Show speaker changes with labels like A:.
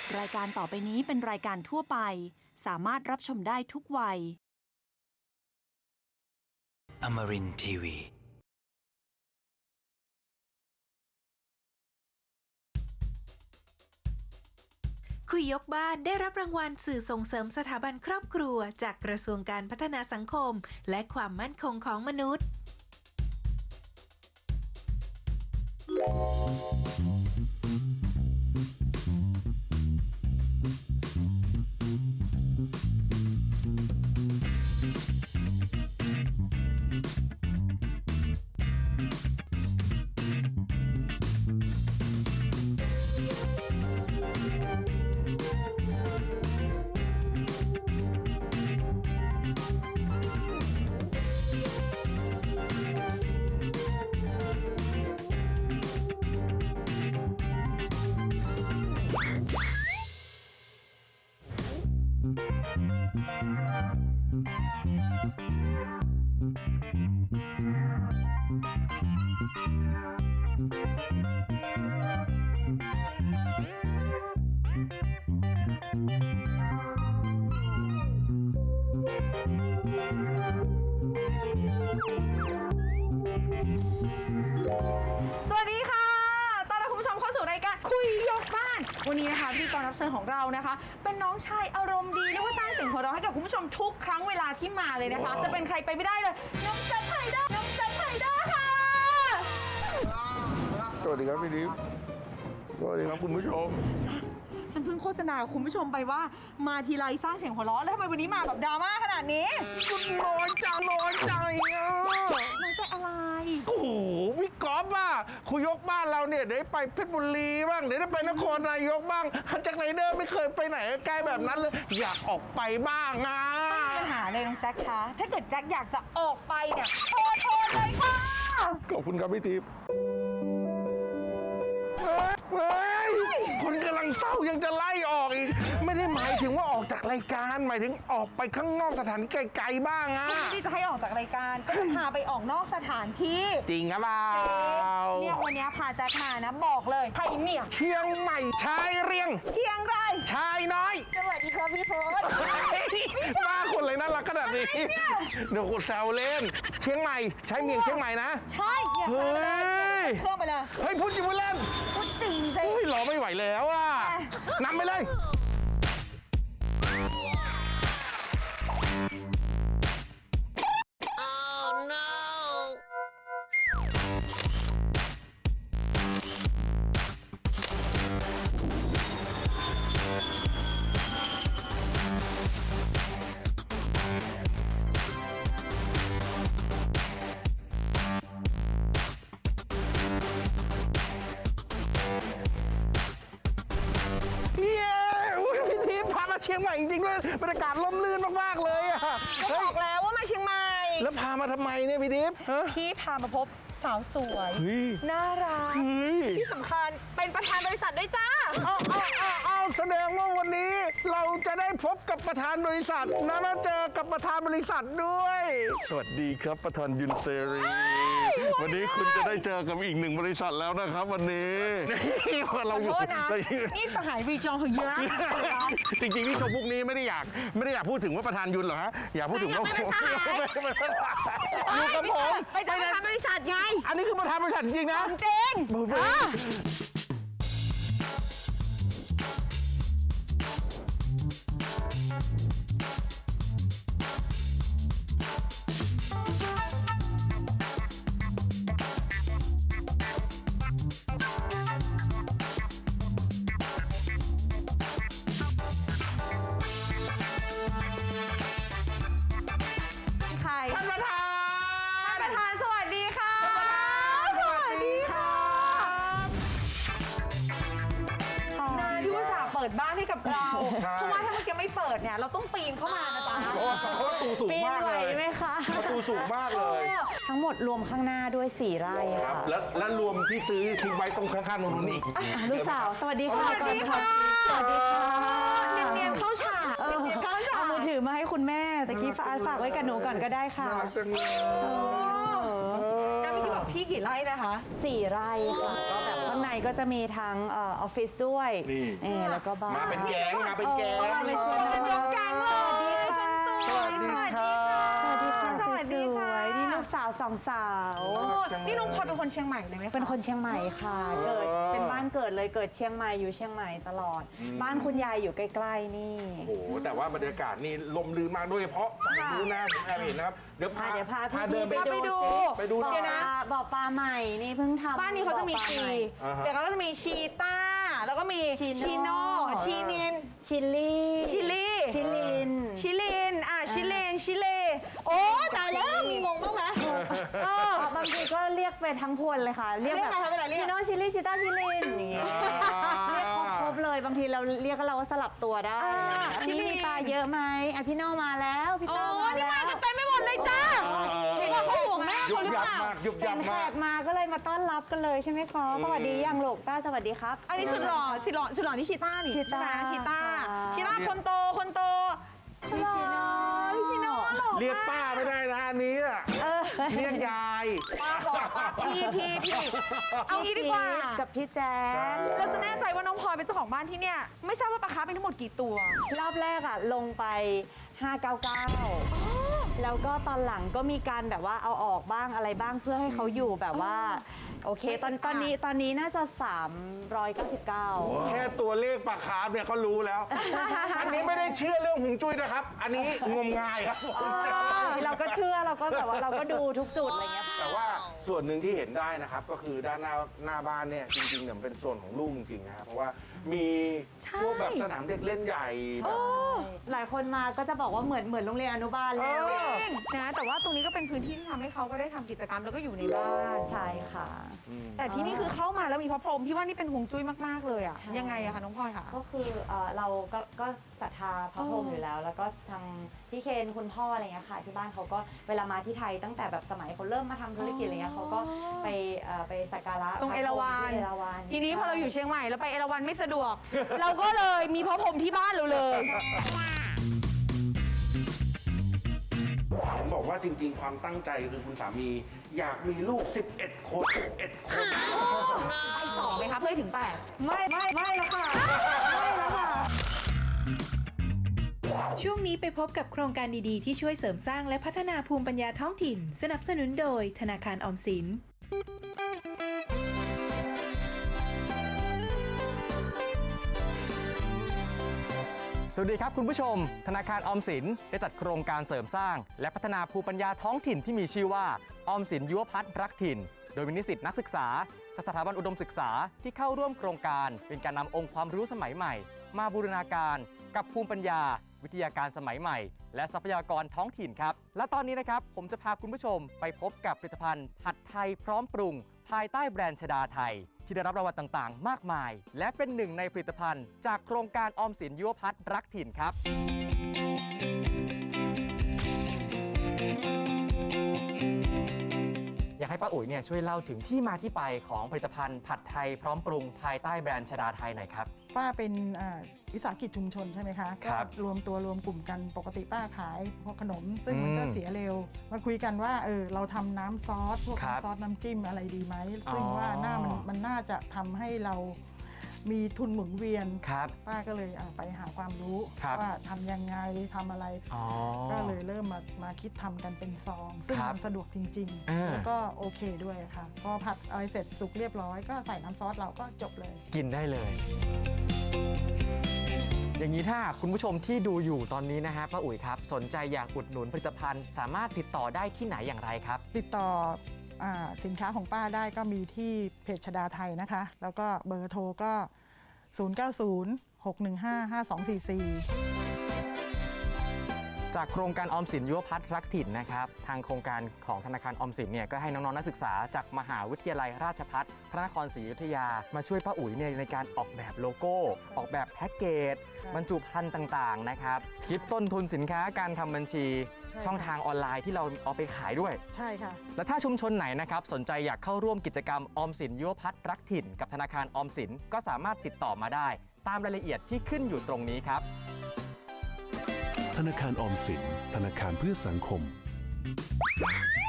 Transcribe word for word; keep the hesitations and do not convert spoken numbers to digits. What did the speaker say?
A: รายการต่อไปนี้เป็นรายการทั่วไปสามารถรับชมได้ทุกวัย
B: Amarin ที วี
C: คุยยกบ้านได้รับรางวัลสื่อส่งเสริมสถาบันครอบครัวจากกระทรวงการพัฒนาสังคมและความมั่นคงของมนุษย์
D: สวัสดีค่ะต้อนรับคุณผู้ชมเข้าสู่รายการคุยยกบ้านวันนี้นะคะพิธีกรรับเชิญของเรานะคะเป็นน้องชายอารมณ์ดีเรียกว่าสร้างเสียงหัวเราะให้กับคุณผู้ชมทุกครั้งเวลาที่มาเลยนะคะ จะเป็นใครไปไม่ได้เลยน้องจันไผ่ด้าน้องจันไผ่ด้าค่ะ
E: สวัสดีครับพี่ดิฟสวัสดีครับคุณผู้ชม
D: ฉันเพิ่งโฆษณาคุณผู้ชมไปว่ามาทีไรสร้างเสียงหัวเราะแล้วทำไมวันนี้มาแบบดราม่าขนาดนี้
E: ร้อนจังร้อนใจอ่ะ
D: น้อยใจอะไร
E: โอ้โหพี่ก๊อฟอ่ะคุยยกบ้านเราเนี่ยเดี๋ยวไปเพชรบุรีบ้างเดี๋ยวได้ไปนครนายกบ้างฮันจากไรเดอร์ไม่เคยไปไหนใกล้แบบนั้นเลย อยากออกไปบ้างอ่ะ
D: ไม่มีปัญหาเลยน้องแจ็คคะถ้าเกิดแจ็คอยากจะออกไปเนี่ยโทรโทรเลยค่ะ
E: ขอบคุณครับพี่ทิพย์เฮ้ยคนกำลังเศร้ายังจะไล่ออกอีกไม่ได้หมายถึงว่าออกจากรายการหมายถึงออกไปข้างนอกสถานที่ไกลๆบ้างอ่ะ
D: ไม่ได้จะให้ออกจากรายการก็จะพาไปออกนอกสถานที่
E: จริงหรือเปล่า
D: เนี่ยวันนี้พาแจ็คมานะบอกเลยไทยเมีย
E: เชียงใหม่ชายเรียง
D: เชียงราย
E: ชายน้อย
D: สวัสดีครับพี่โพส
E: มาคนเลยน่ารักขนาดนี้เดี๋ยวกูแซวเล่น เชียงใหม่ใช้เมียงเชียงใหม่นะ
D: ใช่เนี่ย
E: เฮ้ย
D: เครื่องไปเลย
E: เฮ้ยพูดจริงพูดเล่น
D: พูดจริงสิ
E: เฮ้ยรอไม่ไหวแล้วอ่ะนำไปเลยเชียงใหม่จริงๆด้วยบรรยากาศร่มรื่นมากๆเลยอ่ะ
D: ก็บอกแล้วว่ามาเชียงใหม่
E: แล้วพามาทำไมเนี่ยพี่ดิฟฮะ
D: พี่พามาพบสาวสวย
E: เฮ้ย
D: น่ารัก
E: เฮ้ย
D: ที่สำคัญเป็นประธานบริษัทด้วยจ้า
E: เอาเอาเอาเอาแสดงว่าวันนี้เราจะได้พบกับประธานบริษัทนะมาเจอกับประธานบริษัทด้วย สวัสดีครับประธานยุนเซรีวันนี้คุณจะได้เจอกับอีกหนึ่งบริษัทแล้วนะครับวันนี้เรา
D: ขอโทษนะนี่สหายวีจองเขาเยอะ
E: จริงๆที่ชมพวกนี้ไม่ได้อยากไม่ได้อยากพูดถึงว่าประธานยุนหรอกฮะอยากพูดถึงว่า
D: ไม่เป็นสหาย
E: อยู่กับผม
D: ไปทำประธานบริษัทไง
E: อันนี้คือประธานบริษัทจริงนะ
D: จริง ใคร
E: ท่านประธาน
D: ประธานสวัสดีค่ะ
E: สวัสดีค่ะ
D: นายที่อุตส่าห์เปิดบ้านให้กับเรา เพราะว่าถ้าเมื่อกี้ไม่เปิดเนี่ยเราต้องปีนเข้ามานะจ๊ะ
E: เพราะว่าประตูสูงมากเลย
F: ปีนไหวไหมคะ
E: ประตูสูงมากเลย
F: ทั้งหมดรวมข้างหน้าด้วยสี่ไร่
E: ครั
F: ค่ะ
E: บแล้วแล้วรวมที่ซื้อทิ้งไว้ตรงข้างๆตรงนู้นอีก
F: อ่ะลูกสาว สวัสดีค่ะ
D: สวัสดีค่ะ
F: สวัสดีค่ะ
D: เนียนๆเข้าฉาก
F: เออ
D: เนียนๆเข้าฉาก
F: เอามือถือมาให้คุณแม่ตะกี้ฝากฝากไว้กับหนูก่อนก็ได้ค่ะ
E: น่ารักจังเลย
D: แล้วเมื่อกี้บอกพี่กี่ไร่นะคะ
F: สี่ไร่ค่ะก็แบบผข้างในก็จะมีทั้งเออออฟฟิศด้วย
E: นี่
F: เออแล้วก็บ้าน
E: มาเป็นแก๊งมาเป็นแก๊ง
F: เออไปชวนน้อง
D: ยกแก๊งเลย
F: สวัสดีค่ะ
D: สวัสดีค่ะ
F: สวัสดีค่ะ
D: สวัสดีค่ะ
F: สวยๆนี่ลูกสาวสองสาว
D: โอ้นี่น้องพลอยเป็นคนเชียงใหม่เลยไหมคะ
F: เป็นคนเชียงใหม่ค่ะ เกิดเป็นบ้านเกิดเลยเกิดเชียงใหม่อยู่เชียงใหม่ตลอด บ้านคุณยายอยู่ใกล้ๆนี่
E: โอ้โหแต่ว่าบรรยากาศนี่ลมลื่นมากโดยเฉพาะฝั่งนู้นนะผมแอบเห็นนะครับเดี๋ยวพา
F: อ่ะเดี๋ยวพาพี่
E: เดินไป
F: ๆ
D: ไปดู
E: ไปดูหน่อย
F: บ่อปลาบ่อปลาใหม่นี่เพิ่งทำ
D: บ้านนี้เขาจะมี
F: บ่อปล
D: ชี
F: ให
E: อ่าฮะ
D: เดี๋ยวเขาก็จะมีชีต้า แล้วก็มี
F: ชีโน่
D: ชีโน่ชีนิน
F: ชิลลี่
D: ชิลลี่
F: ชิลิน
D: ชิลิน อ่ะ ชิเลน ชิเล โอ้ตายแล้ว มีงงบ้างไหมเออ
F: อ๋อบางทีก็เรียกไปทั้งพวนเลยค่ะ เรียก
D: เรียก
F: แบบ
D: ไงคะเวลาเรียก
F: ชิโน่ชิลลี่ชิต้าชิลินอย่างเงี้ยเรียกครบๆเลยบางทีเราเรียกก็เราก็สลับตัวได้
D: อ่า
F: อันนี้มีปลาเยอะไหมอ่ะพี่โน่มาแล้วพี่
D: โอ้
F: โต้มา
D: นี่
F: แล้
D: มาว กันเต็มไปหมดเลยจ้า
E: เออ
D: เห็นว่าเขาห่วงแม่
E: ยุ
D: เขา
E: บ
D: หรือ
E: ยั
D: เป
E: บ
D: ล่า
E: มากยุบยั
F: เห็
E: บ
F: นแข
E: มาก
F: กมาก็เลยมาต้อนรับกันเลยใช่ไหมคะสวัสดียังลูกต้าสวัสดีครับ
D: อันนี้สุดหล่อสุดหล่อสุดหล่อนี่ชีต้านี่
F: ชีต้า
D: ใช่ไหมชีต้า
F: ค่ะ
D: ชีต้าคนโต คนโต
F: พี่ชิโน่
D: พี่ชิโน่หล่อ
E: เรียกป้าไม่ได้นะอันนี้อะ
F: เออ
E: เรียกยาย
D: ป้าบอกป้าพี่พี่พี่เอางี้ดีกว่า
F: กับพี่แจ๊ค
D: เราจะแน่ใจว่าน้องพลอยเป็นเจ้าของบ้านที่เนี่ย ไม่ทราบว่าปลาคาร์ฟเป็นทั้งหมดกี่ตัว
F: รอบแรกอ่ะลงไปห้าเก้าเก้าแล้วก็ตอนหลังก็มีการแบบว่าเอาออกบ้างอะไรบ้างเพื่อให้เขาอยู่แบบว่า โอเค ตอนตอนนี้ตอนนี้น่าจะ สามร้อยเก้าสิบเก้า
E: แค่ตัวเลขปลาคาร์ฟเนี่ยเขารู้แล้ว อันนี้ไม่ได้เชื่อเรื่องหงจุ้ยนะครับ อันนี้งมงายครับผม
F: เราก็เชื่อเราก็แบบว่าเราก็ดูทุกจุดอะไรเงี้ย
E: แต่ว่าส่วนหนึ่งที่เห็นได้นะครับ ก็คือด้านหน้าหน้าบ้านเนี่ยจริงๆเนี่ยมันเป็นส่วนของลูกจริงๆนะครับเพราะว่ามี
D: ใช่
E: พวกแบบสนามเด็กเล่นใหญ่แบบ
F: หลายคนมาก็จะบอกว่าเหมือนเหมือนโรงเรียนอนุบาลเลย
E: เออ
D: นะแต่ว่าตรงนี้ก็เป็นพื้นที่ที่ทำให้เขาก็ได้ทำกิจกรรมแล้วก็อยู่ในบ้าน
F: ใช่ค่ะ
D: แต่ที่นี่คือเข้ามาแล้วมีพระพรหมพี่ว่านี่เป็นฮวงจุ้ยมากๆเลยอ่ะ
F: ใช่
D: ยังไงอะคะน้องพลอยคะ
F: ก็คือเอ่อเราก็ก็ศรัทธาพระพรหมอยู่แล้ว แล้วก็ทางพี่เคนคุณพ่ออะไรเงี้ยค่ะที่บ้านเขาก็เวลามาที่ไทยตั้งแต่แบบสมัยเขาเริ่มมาทำธุรกิจอะไรเงี้ยเขาก็ไปเอ่อไปสักการะ
D: ตรง
F: พะ
D: เอราวัณ
F: ที่เอราวัณ
D: ทีนี้พอเราอยู่
F: ใช่
D: เชียงใหม่แล้วไปเอราวัณไม่สะดวก เราก็เลยมีพระพรหมที่บ้านเราเลย
E: เห็นบอกว่าจริงๆ ความตั้งใจคือคุณสามีอยากมีลูก สิบเอ็ด คนสิบเอ็ด คน
D: ไปต่อไหมคะเพื่อให้ถึงแปด
F: ไม่ไม่ไม่แล้วค่ะไม่แล้วค่ะ
C: ช่วงนี้ไปพบกับโครงการดีๆ ที่ช่วยเสริมสร้างและพัฒนาภูมิปัญญาท้องถิ่น สนับสนุนโดยธนาคารออมสิน
G: สวัสดีครับคุณผู้ชมธนาคารออมสินได้จัดโครงการเสริมสร้าง และพัฒนาภูมิปัญญาท้องถิ่นที่มีชื่อว่าออมสินยุวพัฒน์รักถิ่น โดยมีนิสิตนักศึกษาจากสถาบันอุดมศึกษาที่เข้าร่วมโครงการเป็นการนำองค์ความรู้สมัยใหม่ มาบูรณาการกับภูมิปัญญา วิทยาการสมัยใหม่ และทรัพยากรท้องถิ่นครับและตอนนี้นะครับผมจะพาคุณผู้ชมไปพบกับผลิตภัณฑ์ผัดไทยพร้อมปรุง ภายใต้แบรนด์ชดาไทย ที่ได้รับรางวัลต่างๆ มากมาย และเป็นหนึ่งในผลิตภัณฑ์จากโครงการออมสินยุวพัฒน์รักถิ่นครับ อยากให้ป้าอุ๋ยเนี่ยช่วยเล่าถึงที่มาที่ไปของผลิตภัณฑ์ผัดไทยพร้อมปรุงภายใต้แบรนด์ชดาไทยหน่อยครับ
H: ป้าเป็นอ่าวิสาหกิจชุมชนใช่ไหมคะ
G: ครับ
H: ก็รวมตัวรวมกลุ่มกันปกติป้าขายพวกขนม ซึ่งมันก็
G: อืม
H: เสียเร็ว มาคุยกันว่าเออเราทำน้ำซอสพวก
G: ครับ
H: น้ำซอสน้ำจิ้มอะไรดีไหมซึ่ง
G: อ๋อ
H: ว่าหน้ามันมันน่าจะทำให้เรามีทุนหมุนเวียน
G: ครับ
H: ป้าก็เลยอ่ะไปหาความรู้
G: ครับ
H: ว่าทำยังไงทำอะไร
G: อ๋อ
H: ก็เลยเริ่มมามาคิดทำกันเป็นซอง ซึ่ง
G: ครับ
H: มันสะดวกจริง
G: อ่า
H: ๆ แล้วก็โอเคด้วยค่ะพอผัดอะไรเสร็จสุกเรียบร้อยก็ใส่น้ำซอสเราก็จบเลย
G: กินได้เลย อย่างนี้ถ้าคุณผู้ชมที่ดูอยู่ตอนนี้นะฮะป้าอุ๋ยครับสนใจอยากอุดหนุนผลิตภัณฑ์ สามารถติดต่อได้ที่ไหนอย่างไรครับ
H: ติดต่ออาสินค้าของป้าได้ก็มีที่เพจชดาไทยนะคะ แล้วก็เบอร์โทรก็ ศูนย์ เก้า ศูนย์ หก หนึ่ง ห้า ห้า สอง สี่ สี่
G: จากโครงการออมสินยุวพัฒน์รักถิ่นนะครับทางโครงการของธนาคารออมสินเนี่ยก็ให้น้องๆนักศึกษาจากมหาวิทยาลัยราชภัฏพระนครศรีอยุธยา มาช่วยป้าอุ๋ยเนี่ยในการออกแบบโลโก้ ออกแบบแพ็กเกจ
H: ค่ะ
G: บรรจุภัณฑ์ต่างๆนะครับคิดต้นทุนสินค้าการทำบัญชี
H: ใช่
G: ช่องทางออนไลน์ที่เราเอาไปขายด้วย
H: ใช่ค่ะ
G: และถ้าชุมชนไหนนะครับสนใจอยากเข้าร่วมกิจกรรมออมสินยุวพัฒน์รักถิ่นกับธนาคารออมสินก็สามารถติดต่อมาได้ ตามรายละเอียดที่ขึ้นอยู่ตรงนี้ครับ
I: ธนาคารออมสินธนาคารเพื่อสังคม